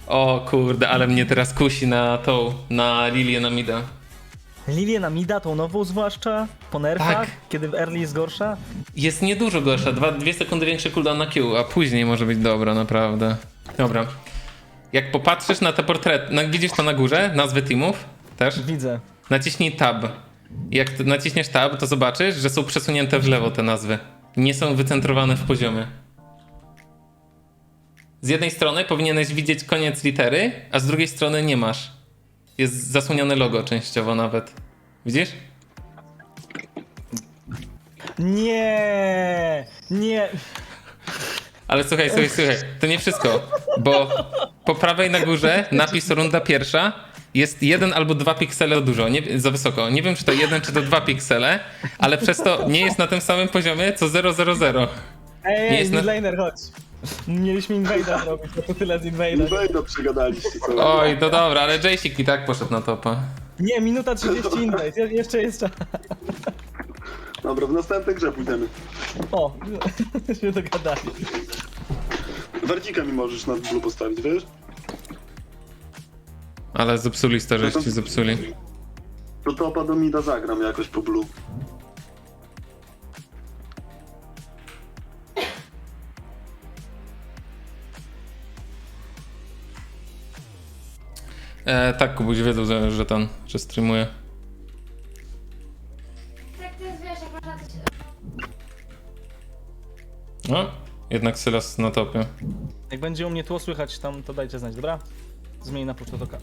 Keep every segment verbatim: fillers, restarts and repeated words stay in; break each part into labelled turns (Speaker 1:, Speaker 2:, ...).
Speaker 1: O kurde, ale mnie teraz kusi na tą, na Lilię na mida.
Speaker 2: Lilię na mida, tą nową zwłaszcza, po nerfach,
Speaker 1: Tak.
Speaker 2: kiedy w early jest gorsza.
Speaker 1: Jest niedużo gorsza, dwa, dwie sekundy większy cooldown na Q, a później może być dobra, naprawdę. Dobra. Jak popatrzysz na te portrety, no, widzisz to na górze, nazwy teamów też?
Speaker 2: Widzę.
Speaker 1: Naciśnij tab. Jak ty naciśniesz tab, to zobaczysz, że są przesunięte w lewo te nazwy. Nie są wycentrowane w poziomie. Z jednej strony powinieneś widzieć koniec litery, a z drugiej strony nie masz. Jest zasłonione logo częściowo nawet. Widzisz?
Speaker 2: Nie, nie.
Speaker 1: Ale słuchaj, słuchaj, słuchaj, to nie wszystko, bo po prawej na górze napis runda pierwsza jest jeden albo dwa piksele dużo, nie, za wysoko. Nie wiem, czy to jeden, czy to dwa piksele, ale przez to nie jest na tym samym poziomie co zero zero zero.
Speaker 2: Ej,
Speaker 1: Nie
Speaker 2: ej,
Speaker 1: jest na-
Speaker 2: midlaner, chodź. Mieliśmy invade'a zrobić, to tyle z invade'a.
Speaker 3: Wejdę, przegadaliście sobie.
Speaker 1: Oj, to dobra, ale Jace'ik i tak poszedł na topa.
Speaker 2: Nie, minuta trzydzieści invade, Je- jeszcze jest czas.
Speaker 3: Dobra, w następnej grze pójdziemy.
Speaker 2: O, się dogadali.
Speaker 3: Werdzika mi możesz na blue postawić, wiesz?
Speaker 1: Ale zepsuli starzyści, zepsuli.
Speaker 3: To topa do mida zagram jakoś po blue.
Speaker 1: E, tak, Kubuś wiedzą, że, że ten, że streamuje.
Speaker 4: Tak, to jest, wiesz, jak można coś...
Speaker 1: No, jednak Sylas na topie.
Speaker 2: Jak będzie u mnie tło słychać tam, to dajcie znać, dobra? Zmień na puszczotoka.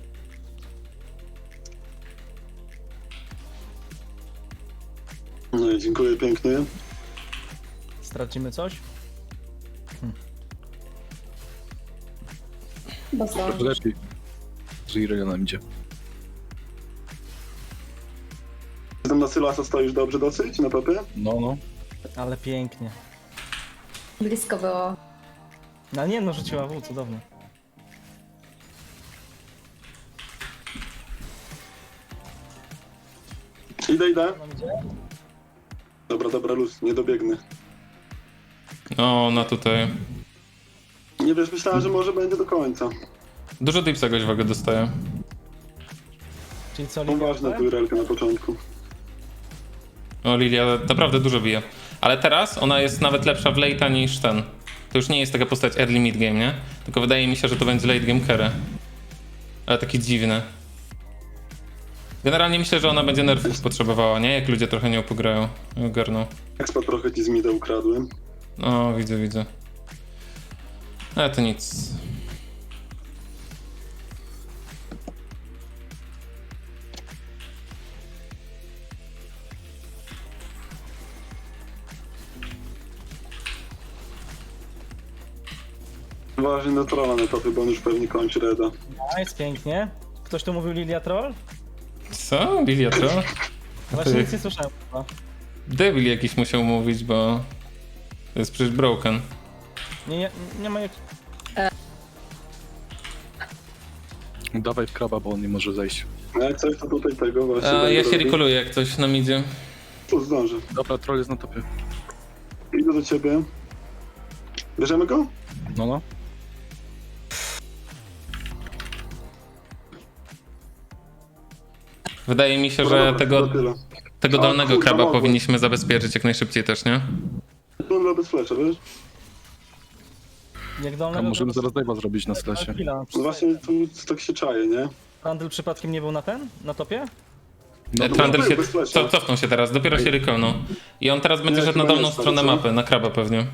Speaker 3: No i dziękuję pięknie.
Speaker 2: Stracimy coś?
Speaker 4: Bo zdążysz.
Speaker 5: Lepiej. Z Irelia nam idzie.
Speaker 3: Tam na Sylasa stoisz dobrze dosyć, na topie?
Speaker 5: No, no.
Speaker 2: Ale pięknie.
Speaker 4: Blisko było.
Speaker 2: No nie no, rzuciła W, cudownie.
Speaker 3: Idę, idę.
Speaker 2: Mam gdzie?
Speaker 3: Dobra, dobra, luz, nie dobiegnę.
Speaker 1: O, na tutaj.
Speaker 3: Nie wiesz, myślałem, że może będzie do końca.
Speaker 1: Dużo dipsa goś wagę dostaje.
Speaker 2: Czyli co,
Speaker 3: Są
Speaker 2: Lilia?
Speaker 3: ważne tu relkę na początku.
Speaker 1: O, Lilia naprawdę dużo bije. Ale teraz ona jest nawet lepsza w late'a niż ten. To już nie jest taka postać early mid game, nie? Tylko wydaje mi się, że to będzie late game carry. Ale taki dziwny. Generalnie myślę, że ona będzie nerfów potrzebowała, nie? Jak ludzie trochę nią pograją. Ogarną.
Speaker 3: Expa trochę ci z mida ukradłem.
Speaker 1: No, widzę, widzę. Ale to nic.
Speaker 3: Ważny na trolla na topie, bo on już pewnie kończy reda.
Speaker 2: Nice, pięknie. Ktoś tu mówił Lilia Troll?
Speaker 1: Co? Lilia to?
Speaker 2: Właśnie
Speaker 1: Ty.
Speaker 2: nic nie słyszałem chyba.
Speaker 1: Debil jakiś musiał mówić, bo... To jest przecież broken.
Speaker 2: Nie, nie, nie ma jak...
Speaker 5: Dawaj w kraba, bo on nie może zejść.
Speaker 3: A jak coś, to tutaj tego właśnie
Speaker 1: A,
Speaker 3: będę
Speaker 1: ja się
Speaker 3: robił.
Speaker 1: rekoluję jak coś nam idzie.
Speaker 3: Tu zdążę.
Speaker 5: Dobra, troll jest na topie.
Speaker 3: Idę do ciebie. Bierzemy go?
Speaker 5: No, no.
Speaker 1: Wydaje mi się,
Speaker 3: No
Speaker 1: że
Speaker 3: dobra,
Speaker 1: tego,
Speaker 3: to tyle.
Speaker 1: tego
Speaker 3: O,
Speaker 1: dolnego
Speaker 3: kurwa,
Speaker 1: kraba
Speaker 3: mogłem.
Speaker 1: powinniśmy zabezpieczyć jak najszybciej też, nie?
Speaker 3: Tundra bez flecza, wiesz?
Speaker 2: Jak
Speaker 5: A
Speaker 2: dolnego...
Speaker 5: możemy
Speaker 2: to-
Speaker 5: zaraz dive'a zrobić na slasie.
Speaker 2: Chwila,
Speaker 3: No właśnie tu tak się czaje, nie?
Speaker 2: Randall przypadkiem nie był na ten? Na topie?
Speaker 5: No,
Speaker 1: E,
Speaker 5: to
Speaker 1: Trundle
Speaker 3: był
Speaker 1: się
Speaker 3: bez flasha.
Speaker 1: co, cofnął się teraz, dopiero się rekolnął. I on teraz będzie
Speaker 3: Nie,
Speaker 1: szedł na
Speaker 3: chyba
Speaker 1: dolną
Speaker 3: nie
Speaker 1: stronę
Speaker 3: stary, co?
Speaker 1: mapy, na kraba pewnie.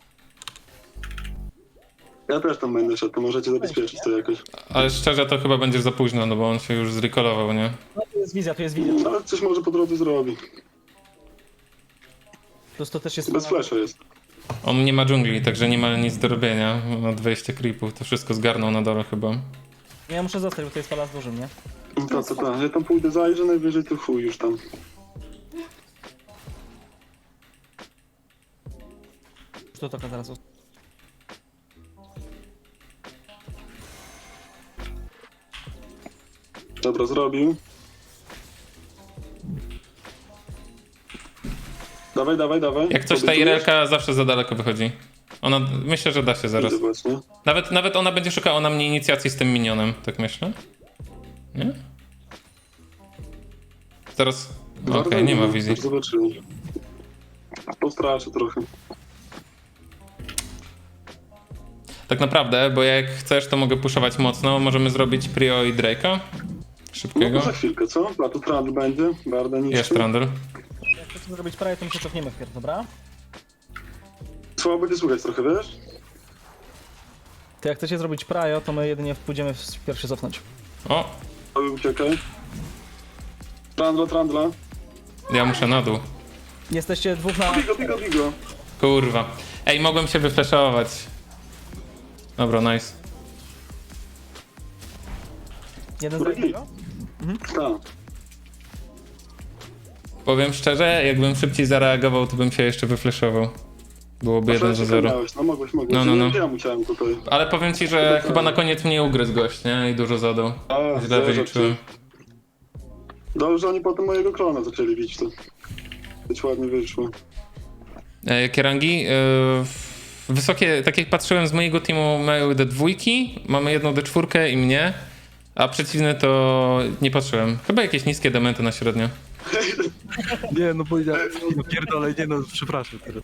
Speaker 3: Ja też tam będę szedł, to możecie zabezpieczyć to jakoś.
Speaker 1: Ale szczerze to chyba będzie za późno, no bo on się już zrekolował, nie?
Speaker 2: No tu jest wizja, tu jest wizja.
Speaker 3: Ale coś może po drodze zrobi.
Speaker 2: Plus to też jest...
Speaker 3: Bez flasha jest.
Speaker 1: On nie ma dżungli, także nie ma nic do robienia. Ma dwadzieścia creepów, to wszystko zgarnął na dole chyba.
Speaker 2: Ja muszę zostać, bo to jest pala z dużym, nie?
Speaker 3: No to, to, to. Ja tam pójdę, zajrzę, najwyżej to chuj już tam.
Speaker 2: To taka teraz...
Speaker 3: Dobra, zrobił. Dawaj, dawaj, dawaj.
Speaker 1: Jak coś ta
Speaker 3: Obiecujesz?
Speaker 1: Irelka zawsze za daleko wychodzi. Ona, myślę, że da się zaraz.
Speaker 3: Idę właśnie.
Speaker 1: Nawet, nawet ona będzie szukała na mnie inicjacji z tym minionem, tak myślę. Nie? Zaraz. Okej,
Speaker 3: Warda
Speaker 1: nie ma wizji.
Speaker 3: Zobaczymy. Postraszę trochę.
Speaker 1: Tak naprawdę, bo jak chcesz, to mogę puszować mocno. Możemy zrobić Prio i Drake'a.
Speaker 3: No
Speaker 1: Szybkiego.
Speaker 3: to za chwilkę, co? A tu Trundle będzie. Barda niż.
Speaker 1: Jest Trundle.
Speaker 2: Jak chcecie zrobić prawie, to my się cofniemy wpierw, dobra?
Speaker 3: Słabo będzie słuchać trochę, wiesz?
Speaker 2: To jak chcecie zrobić prajo, to my jedynie pójdziemy wpierw się cofnąć.
Speaker 1: O,
Speaker 3: To uciekaj. Trundle, Trundle.
Speaker 1: ja muszę na dół.
Speaker 2: Jesteście dwóch na...
Speaker 3: Bigo, bigo, bigo.
Speaker 1: Kurwa. Ej, mogłem się wyflashować. Dobra, nice.
Speaker 2: Jeden z drugiego?
Speaker 3: Tak.
Speaker 1: Powiem szczerze, jakbym szybciej zareagował, to bym się jeszcze wyflashował. Byłoby jeden za zero.
Speaker 3: Miałeś. No mogłeś, mogłeś.
Speaker 1: No, no, no.
Speaker 3: Ja musiałem tutaj.
Speaker 1: Ale powiem ci, że chyba na koniec mnie ugryzł gość, nie? I dużo zadał.
Speaker 3: A,
Speaker 1: Źle
Speaker 3: zero,
Speaker 1: wyliczyłem.
Speaker 3: Dobrze, oni potem mojego klona zaczęli bić to. Być ładnie wyszło.
Speaker 1: E, jakie rangi? E, wysokie, tak jak patrzyłem z mojego teamu, mają D dwa, mamy jedną D cztery i mnie, a przeciwne to nie patrzyłem. Chyba jakieś niskie dementy na średnio.
Speaker 5: Nie, no powiedziałem, no pierdolę, nie no, przepraszam teraz.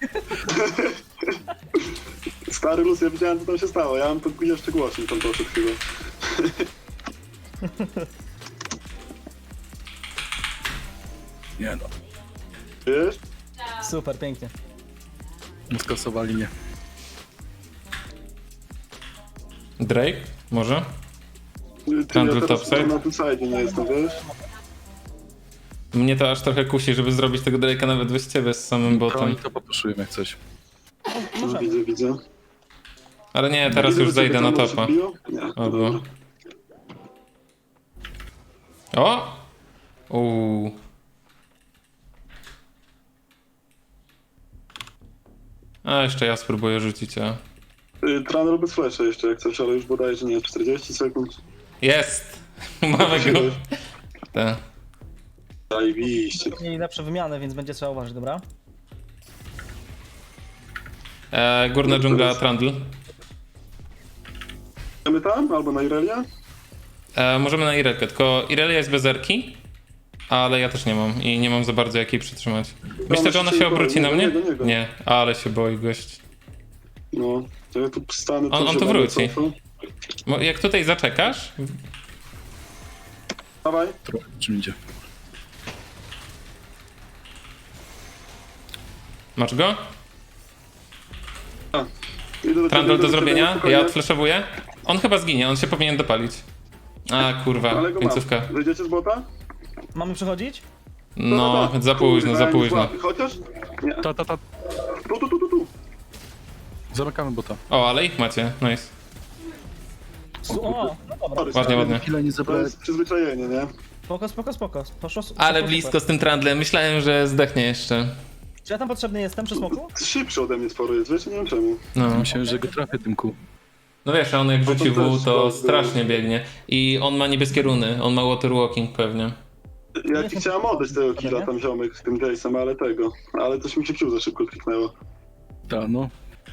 Speaker 3: Stary luz, ja widziałem co tam się stało. Ja mam to jeszcze głośniej tam poszedł chyba.
Speaker 5: Nie no,
Speaker 3: Wiesz?
Speaker 2: Super, pięknie.
Speaker 5: skasowali mnie.
Speaker 1: Drake? Może?
Speaker 3: Ty,
Speaker 1: Trundle
Speaker 3: ja teraz
Speaker 1: topside?
Speaker 3: na tym side nie jestem, wiesz?
Speaker 1: Mnie to aż trochę kusi, żeby zrobić tego Drake'a nawet bez ciebie z samym botem.
Speaker 5: Oni to popuszują jak coś.
Speaker 3: No, widzę, widzę.
Speaker 1: Ale nie, teraz
Speaker 3: Widzę,
Speaker 1: już
Speaker 3: że
Speaker 1: zejdę
Speaker 3: ciebie
Speaker 1: na
Speaker 3: tam
Speaker 1: topa.
Speaker 3: odbiło? Nie,
Speaker 1: O,
Speaker 3: dobra.
Speaker 1: było. O! Uuu. A jeszcze ja spróbuję rzucić, a...
Speaker 3: Y, Trundle bez flasha jeszcze jak coś, ale już bodajże nie, czterdzieści sekund.
Speaker 1: Jest! Mamy go. Tak.
Speaker 3: Zajebiście.
Speaker 2: Mieli lepsze wymiany, więc będzie trzeba uważać, dobra?
Speaker 1: E, górna dżungla Trundle.
Speaker 3: Idziemy tam? Albo na Irelia?
Speaker 1: E, możemy na Irelkę, tylko Irelia jest bez erki, ale ja też nie mam i nie mam za bardzo jak jej przytrzymać. Myślę, że ona się obróci na mnie?
Speaker 3: Nie, nie, nie.
Speaker 1: Nie, ale się boi gość.
Speaker 3: No, to ja tu stanę...
Speaker 1: On- on
Speaker 3: się
Speaker 1: tu
Speaker 3: będę
Speaker 1: wróci.
Speaker 3: cofał.
Speaker 1: Mo- Jak tutaj zaczekasz,
Speaker 3: Dawaj.
Speaker 5: Trochę czym idzie.
Speaker 1: masz go?
Speaker 3: Idę do ciebie,
Speaker 1: Trundle
Speaker 3: idę
Speaker 1: do
Speaker 3: ciebie,
Speaker 1: zrobienia,
Speaker 3: spokojnie.
Speaker 1: ja odfleszowuję. On chyba zginie, on się powinien dopalić. A kurwa,
Speaker 3: Ale go mam.
Speaker 1: końcówka.
Speaker 3: Wyjdziecie z bota?
Speaker 2: Mamy przechodzić?
Speaker 1: No,
Speaker 3: tak.
Speaker 1: za późno,
Speaker 3: Kurwa,
Speaker 1: za
Speaker 3: ja nie
Speaker 1: późno.
Speaker 3: złapię. Chociaż? Nie.
Speaker 5: Ta, ta, ta.
Speaker 3: Tu, tu, tu, tu, tu.
Speaker 5: Zamykamy bota.
Speaker 1: O, ale ich macie, nice.
Speaker 2: Su- o, no dobra.
Speaker 3: Sorry,
Speaker 1: Ładnie,
Speaker 3: stary.
Speaker 1: ładnie.
Speaker 5: Chwilę nie
Speaker 3: To
Speaker 5: zabrałem.
Speaker 3: jest przyzwyczajenie, nie?
Speaker 2: Spoko, spoko, spoko. Poszło, su-
Speaker 1: Ale
Speaker 2: super.
Speaker 1: blisko z tym Trundlem, myślałem, że zdechnie jeszcze.
Speaker 2: Czy ja tam potrzebny jestem przy smoku?
Speaker 3: Szybszy ode mnie sporo jest, wiesz? Nie wiem czemu.
Speaker 1: No.
Speaker 5: Myślałem, że go trafię tym kół.
Speaker 1: No wiesz, on jak
Speaker 3: No to
Speaker 1: rzuci W,
Speaker 3: też
Speaker 1: to
Speaker 3: tak,
Speaker 1: strasznie
Speaker 3: no.
Speaker 1: biegnie. I on ma niebieskie runy, on ma water walking pewnie.
Speaker 3: Ja ci chciałem oddać tego killa
Speaker 2: Nie?
Speaker 3: tam ziomek z tym Jace'em, ale tego. Ale coś mi się Q za szybko kliknęło.
Speaker 5: Ta, no.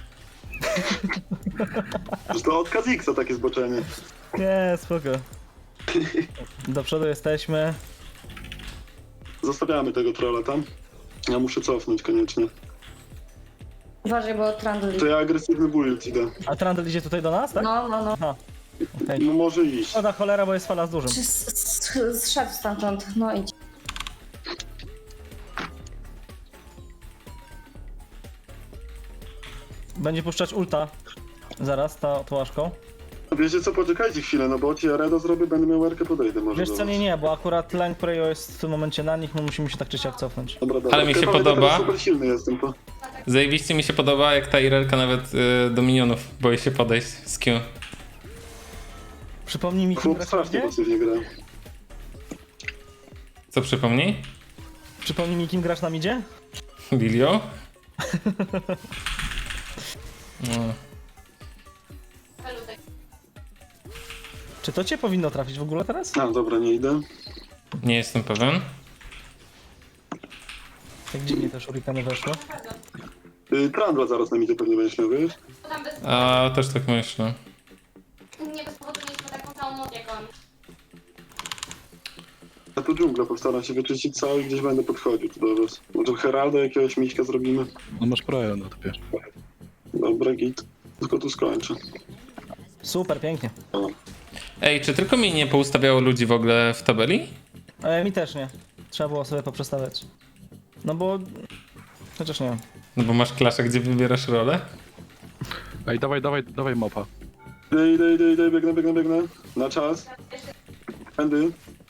Speaker 3: Że to od Kazixa takie zboczenie.
Speaker 2: Nie, spoko. Do przodu jesteśmy.
Speaker 3: Zostawiamy tego trolla tam. Ja muszę cofnąć koniecznie.
Speaker 4: Uważaj, bo Trundle...
Speaker 3: To ja agresywny build idę.
Speaker 2: A Trundle idzie tutaj do nas, tak?
Speaker 4: No, no, no.
Speaker 2: Aha. Okej.
Speaker 3: No może iść.
Speaker 2: Szkoda cholera, bo jest fala z dużym.
Speaker 4: Czy s- s- zszedł stamtąd? No idź.
Speaker 2: Będzie puszczać ulta. Zaraz, ta tołaszką.
Speaker 3: Wiecie co, poczekajcie chwilę, no bo ci ja Reda zrobię, będę miał erkę, podejdę może
Speaker 2: Wiesz
Speaker 3: do
Speaker 2: co,
Speaker 3: was.
Speaker 2: nie, nie, bo akurat Lang Preyo jest w tym momencie na nich, my musimy się tak czy siak cofnąć.
Speaker 3: Dobra, dobra.
Speaker 1: Ale mi się
Speaker 3: Chyba będę
Speaker 1: podoba.
Speaker 3: teraz super silny jestem, to.
Speaker 1: Zajebiście mi się podoba, jak ta Irelka nawet y, do minionów boi się podejść z Q.
Speaker 2: Przypomnij mi, kim
Speaker 3: Chłop
Speaker 2: grasz na
Speaker 3: strasznie
Speaker 2: midzie?
Speaker 3: pasywnie gra.
Speaker 1: Co przypomnij?
Speaker 2: Przypomnij mi, kim grasz na midzie?
Speaker 1: Lilio? No.
Speaker 2: Czy to cię powinno trafić w ogóle teraz?
Speaker 3: A, dobra, nie idę.
Speaker 1: Nie jestem pewien.
Speaker 2: Tak dziwnie te shurikeny weszły.
Speaker 3: Y, Trundle zaraz na midzie pewnie będziesz miał, wiesz?
Speaker 6: Tam bez
Speaker 1: A też tak myślę.
Speaker 6: nie bez powodu mieliśmy taką samą moc jak on.
Speaker 3: Ja tu dżunglę postaram się wyczyścić cały i gdzieś będę podchodził tu do was. Może Heralda jakiegoś miśka zrobimy.
Speaker 5: No masz prawo na to wiesz.
Speaker 3: Dobra, git. Tylko tu skończę.
Speaker 2: Super, pięknie.
Speaker 3: O.
Speaker 1: Ej, czy tylko mi nie poustawiało ludzi w ogóle w tabeli?
Speaker 2: E, mi też nie. Trzeba było sobie poprzestawiać. No bo... Chociaż nie wiem.
Speaker 1: No bo masz klaszę, gdzie wybierasz rolę?
Speaker 5: Ej, dawaj, dawaj, dawaj mapa.
Speaker 3: Idę, idę, idę, idę, biegnę, biegnę, biegnę. Na czas. Pędy.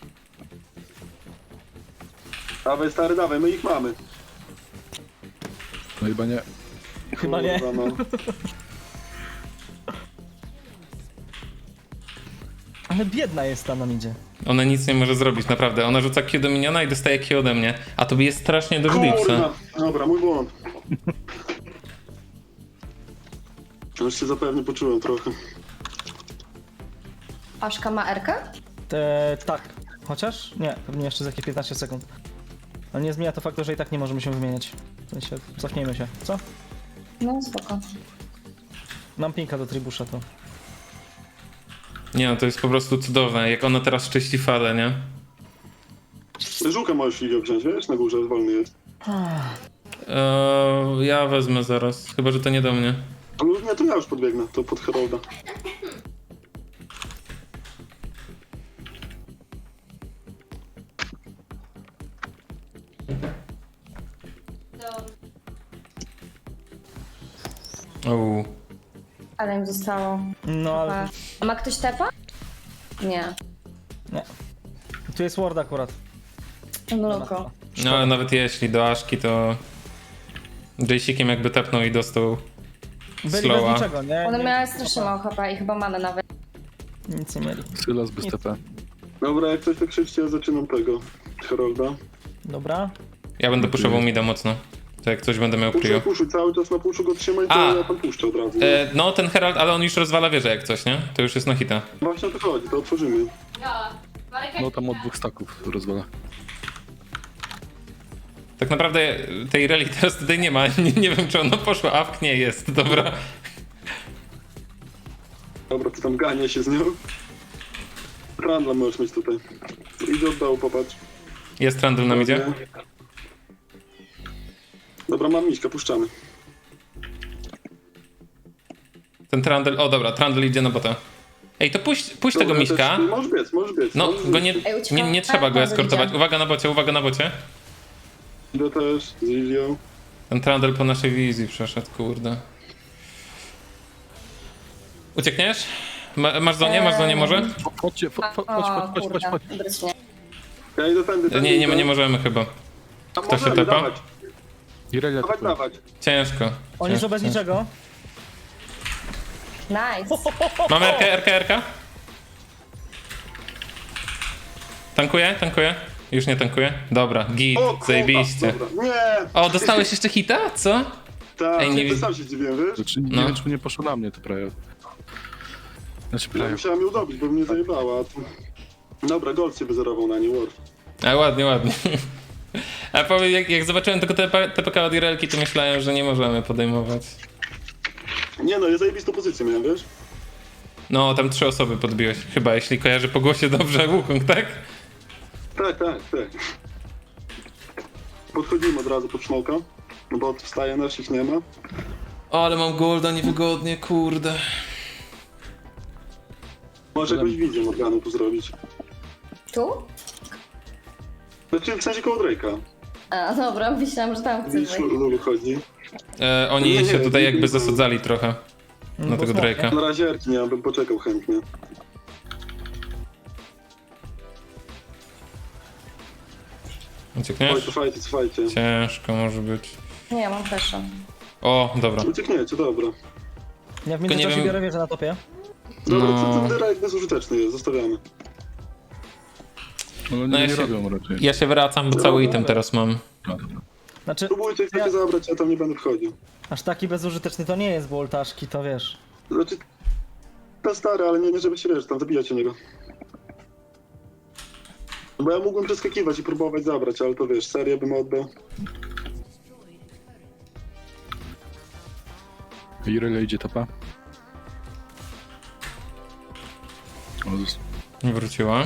Speaker 3: Dawaj, stary, dawaj, my ich mamy.
Speaker 5: No chyba nie.
Speaker 2: Chyba nie.
Speaker 3: Kurwa, no.
Speaker 2: Ale biedna jest ta nam idzie.
Speaker 1: Ona nic nie może zrobić, naprawdę. Ona rzuca Q do miniona i dostaje Q ode mnie. A to jest strasznie do Glipsa.
Speaker 3: Kurwa. Dobra, mój błąd. Już się zapewne poczułem trochę.
Speaker 4: Aszka ma Erkę?
Speaker 2: Te, tak. Chociaż? Nie, pewnie jeszcze za jakieś piętnaście sekund. Ale nie zmienia to faktu, że i tak nie możemy się wymieniać. W sensie, cofnijmy się. Co?
Speaker 4: No spoko.
Speaker 2: Mam pinka do tribusza to.
Speaker 1: Nie no, to jest po prostu cudowne. Jak ona teraz czyści falę, nie?
Speaker 3: Żółkę możesz ligę wziąć, wiesz? Na górze wolny jest.
Speaker 1: Eee, ja wezmę zaraz. Chyba, że to nie do mnie.
Speaker 3: No nie, to ja już podbiegnę, to pod Herolda.
Speaker 6: Do...
Speaker 1: Uuu.
Speaker 4: Ale im zostało.
Speaker 2: No ale...
Speaker 4: A ma ktoś tepa? Nie.
Speaker 2: Nie. Tu jest ward akurat.
Speaker 4: Mloko.
Speaker 1: No ale nawet jeśli do Aszki, to... Jaysikiem jakby tepnął i dostał
Speaker 2: Byli
Speaker 1: slowa.
Speaker 2: bez niczego, nie?
Speaker 4: One
Speaker 2: nie
Speaker 4: miały strasznie mało H P i chyba mamy nawet.
Speaker 2: Nic nie mieli.
Speaker 5: Sylas bez T P.
Speaker 3: Dobra, jak coś tak krzyczcie, ja zaczynam tego. Herolda.
Speaker 2: Dobra.
Speaker 1: Ja będę puszował mida mocno. To jak coś będę miał
Speaker 3: Puszuj,
Speaker 1: prio.
Speaker 3: puszuj, cały czas na puszu go trzymaj, to
Speaker 1: A.
Speaker 3: ja tam puszczę od razu. nie?
Speaker 1: E, no ten Herald, ale on już rozwala wieżę jak coś, nie? To już jest na hita.
Speaker 3: Właśnie o to chodzi, to otworzymy.
Speaker 6: Ja. Marek,
Speaker 5: No tam od dwóch staków rozwala.
Speaker 1: Tak naprawdę tej reli teraz tutaj nie ma. Nie, nie wiem czy ona poszła. Awk nie jest, dobra.
Speaker 3: Dobra, to tam gania się z nią. Randla możesz mieć tutaj. Idę od dołu, popatrz.
Speaker 1: Jest Trundle nam idzie.
Speaker 3: Dobra, mam miśka, puszczamy.
Speaker 1: Ten Trundle, o dobra, Trundle idzie na bota. Ej, to puść, puść tego
Speaker 3: Dobra,
Speaker 1: miśka.
Speaker 3: też- Możesz biec, możesz biec.
Speaker 1: No,
Speaker 3: możesz
Speaker 1: go nie,
Speaker 3: biec.
Speaker 4: Ej, uciekam.
Speaker 1: nie, nie trzeba go
Speaker 4: Trundle
Speaker 1: eskortować.
Speaker 4: idzie.
Speaker 1: Uwaga na bocie, uwaga na bocie.
Speaker 3: Idę też z Lilią.
Speaker 1: Ten Trundle po naszej wizji przeszedł, kurde. Uciekniesz? Ma, masz zonie? Masz zonie może?
Speaker 5: Chodźcie, chodź, chodź,
Speaker 4: O,
Speaker 5: chodź, chodź, chodź,
Speaker 4: kurde,
Speaker 5: chodź.
Speaker 4: brycznie.
Speaker 3: Ja idę tędy, tędy.
Speaker 1: Nie, nie, nie
Speaker 3: idę.
Speaker 1: możemy chyba.
Speaker 3: A
Speaker 1: Kto się
Speaker 3: możemy,
Speaker 1: tepa?
Speaker 3: Dawać,
Speaker 5: Irelia
Speaker 3: dawać,
Speaker 5: tylko.
Speaker 3: dawać.
Speaker 1: Ciężko.
Speaker 2: Oni są
Speaker 1: ciężko,
Speaker 2: bez
Speaker 1: ciężko.
Speaker 2: niczego.
Speaker 4: Nice.
Speaker 1: Mamy R K, R K, R K? Tankuję, tankuję. Już nie tankuję. Dobra, git,
Speaker 3: O, kurwa,
Speaker 1: zajebiście.
Speaker 3: dobra. Nie!
Speaker 1: O, dostałeś jeszcze hita? Co?
Speaker 3: Tak,
Speaker 1: Ej, nie
Speaker 3: nie
Speaker 1: wi-
Speaker 3: sam się dziwiłem, wiesz?
Speaker 5: Znaczy, nie
Speaker 1: No.
Speaker 5: wiem, czy nie poszło na mnie to prawie. Znaczy
Speaker 3: Ja
Speaker 5: prawie.
Speaker 3: musiałem ją dobić, bo mnie zajebała. a tu- Dobra, Gold się wyzerował na nie, Worf.
Speaker 1: A ładnie, ładnie. A powiem, jak, jak zobaczyłem tylko T P K od Irelki, to myślałem, że nie możemy podejmować.
Speaker 3: Nie no, ja zajebistą pozycję miałem, wiesz?
Speaker 1: No, tam trzy osoby podbiłeś. Chyba, jeśli kojarzę po głosie dobrze Wukong, tak?
Speaker 3: Tak, tak, tak. Podchodzimy od razu pod smoka, no bo wstaje, naszych nie ma.
Speaker 1: O, ale mam golda niewygodnie, kurde.
Speaker 3: Może jakąś wizję Morganu tu zrobić.
Speaker 4: Tu?
Speaker 3: Znaczy w sensie koło Drake'a.
Speaker 4: A, dobra, myślałam, że tam chcesz
Speaker 3: Widzisz,
Speaker 4: wejść.
Speaker 3: Lulu chodzi.
Speaker 1: E, oni
Speaker 3: Nie, nie,
Speaker 1: się tutaj
Speaker 3: nie,
Speaker 1: jakby
Speaker 3: nie.
Speaker 1: zasadzali trochę
Speaker 2: No,
Speaker 1: na
Speaker 2: bo
Speaker 1: tego
Speaker 2: smok,
Speaker 1: Drake'a.
Speaker 3: Na razie Erki nie mam, bym poczekał chętnie. Oj,
Speaker 1: Uciekniesz?
Speaker 3: cofajcie, cofajcie.
Speaker 1: Ciężko może być.
Speaker 4: Nie, mam pesza.
Speaker 1: O, dobra.
Speaker 3: Uciekniecie, dobra.
Speaker 2: Ja w
Speaker 1: nie
Speaker 2: międzyczasie
Speaker 1: wiem-
Speaker 2: biorę wieżę na topie.
Speaker 3: Dobra,
Speaker 1: No.
Speaker 3: no. ten Drake bezużyteczny jest, zostawiamy.
Speaker 5: No, nie,
Speaker 1: No ja
Speaker 5: nie
Speaker 1: się-
Speaker 5: robią raczej.
Speaker 1: Ja się wracam, bo cały item teraz mam.
Speaker 5: No, dobra.
Speaker 2: Znaczy,
Speaker 3: Próbujcie chcecie
Speaker 2: Ja-
Speaker 3: zabrać, ja tam nie będę wchodził.
Speaker 2: aż taki bezużyteczny to nie jest, bo ultaszki to wiesz.
Speaker 3: Znaczy, to stary, ale nie, nie żeby się wiesz, tam zabijać o niego. Bo ja mógłbym przeskakiwać i próbować zabrać, ale to wiesz, serię bym oddał.
Speaker 5: Irelia idzie topa. O, zos-
Speaker 1: Wróciła.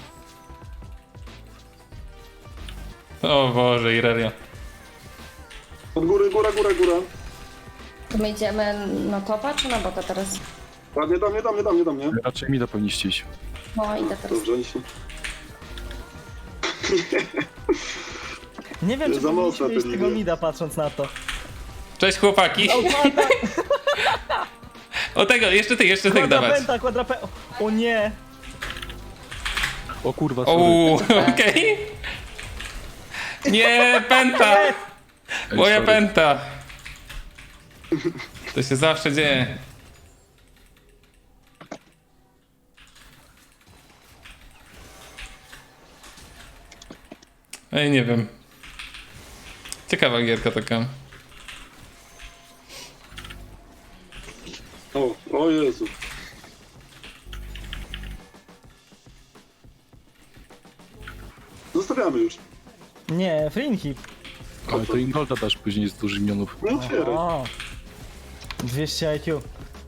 Speaker 1: O Boże, Irelia.
Speaker 3: Od góry, góra, góra, góra.
Speaker 4: To my idziemy na topa czy na bota teraz?
Speaker 3: Ładnie do mnie, do mnie, do mnie, do mnie.
Speaker 5: Raczej mi to powinniście iść.
Speaker 4: No idę teraz.
Speaker 3: Dobrze, oni się...
Speaker 2: Nie wiem, czy
Speaker 3: Za mocno
Speaker 2: powinniśmy iść
Speaker 3: te
Speaker 2: tego
Speaker 3: linie.
Speaker 2: mida patrząc na to.
Speaker 1: Cześć chłopaki. O tego, jeszcze ty, jeszcze ty dawać.
Speaker 2: Quadrapenta, quadrapenta. O nie!
Speaker 5: O kurwa, sorry.
Speaker 1: Ouu, okej. Nie, penta!
Speaker 5: Ej,
Speaker 1: Moja
Speaker 5: sorry.
Speaker 1: penta! To się zawsze dzieje. Ej, nie wiem. Ciekawa gierka taka.
Speaker 3: O, o Jezu. Zostawiamy już.
Speaker 2: Nie, Frinhip.
Speaker 5: Ale to Ingolda dasz później z dużych minionów.
Speaker 3: Nie otwieraj.
Speaker 2: O. dwieście I Q.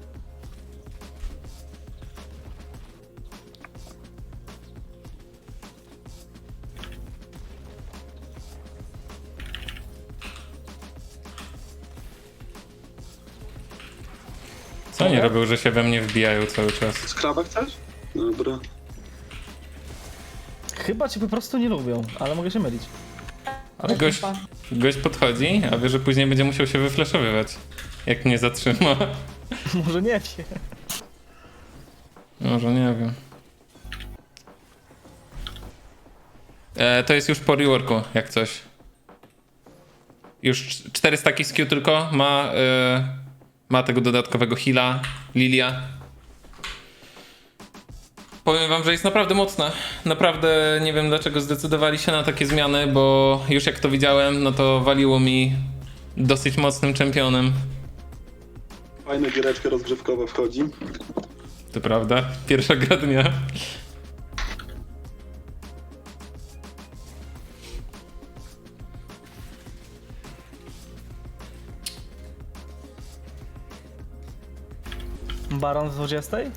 Speaker 1: Co oni robią, że się we mnie wbijają cały czas?
Speaker 3: Skraba chcesz? Dobra.
Speaker 2: Chyba cię po prostu nie lubią, ale mogę się mylić.
Speaker 1: Ale gość, gość podchodzi, a wie, że później będzie musiał się wyflaszowywać. Jak mnie zatrzyma.
Speaker 2: Może nie wie.
Speaker 1: Może nie wiem. E, to jest już po reworku, jak coś. Już cz- cztery staki z Q tylko. Ma, e, ma tego dodatkowego heala, Lilia. Powiem wam, że jest naprawdę mocna. Naprawdę nie wiem, dlaczego zdecydowali się na takie zmiany, bo już jak to widziałem, no to waliło mi dosyć mocnym czempionem.
Speaker 3: Fajna giereczka rozgrzewkowa wchodzi.
Speaker 1: To prawda? Pierwsza gra dnia.
Speaker 2: Baron z dwudziestej?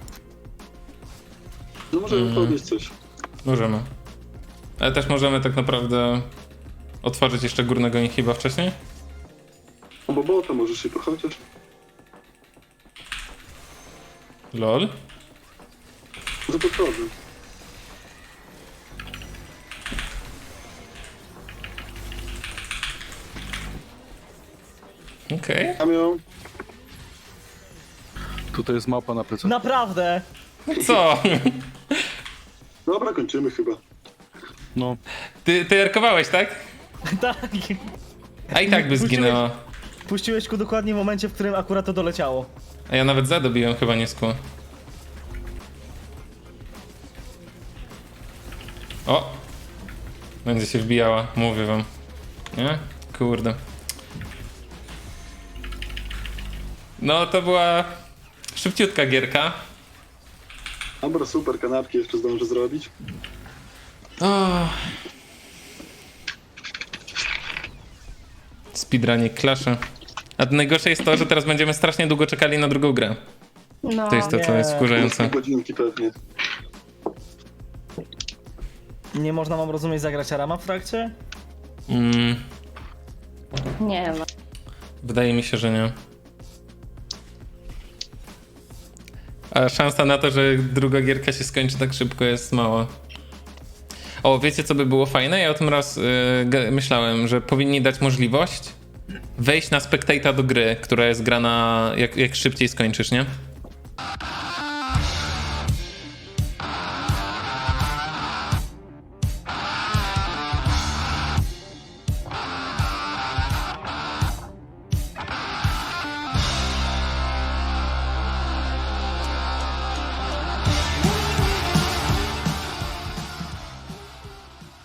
Speaker 3: No możemy
Speaker 1: Mm.
Speaker 3: podnieść coś.
Speaker 1: Możemy. Ale też możemy tak naprawdę otworzyć jeszcze górnego inhiba wcześniej.
Speaker 3: No bo bota możesz się chociaż.
Speaker 1: Lol.
Speaker 3: No to podchodzę.
Speaker 1: Okej.
Speaker 3: Mam ją.
Speaker 5: Tutaj jest małpa na plecach.
Speaker 2: Naprawdę!
Speaker 1: Co?
Speaker 3: Dobra, kończymy chyba.
Speaker 5: No,
Speaker 1: Ty, ty erkowałeś, tak?
Speaker 2: Tak.
Speaker 1: A i tak by zginęła.
Speaker 2: Puściłeś ku dokładnie w momencie, w którym akurat to doleciało.
Speaker 1: A ja nawet zadobiłem chyba nie skło. O! Będzie się wbijała, mówię wam. Nie? Kurde. No to była szybciutka gierka.
Speaker 3: Dobra, super, kanapki jeszcze zdążę zrobić.
Speaker 1: O. Speedrunie klasze. A najgorsze jest to, że teraz będziemy strasznie długo czekali na drugą grę.
Speaker 4: No,
Speaker 1: To jest to, co
Speaker 2: nie.
Speaker 1: jest wkurzające.
Speaker 3: Godzinki pewnie.
Speaker 2: Nie można, mam rozumieć, zagrać Arama w trakcie?
Speaker 1: Mm,
Speaker 4: nie no.
Speaker 1: wydaje mi się, że nie. A szansa na to, że druga gierka się skończy tak szybko jest mała. O, wiecie co by było fajne? Ja o tym raz y, g- myślałem, że powinni dać możliwość wejść na spectata do gry, która jest grana jak, jak szybciej skończysz, nie?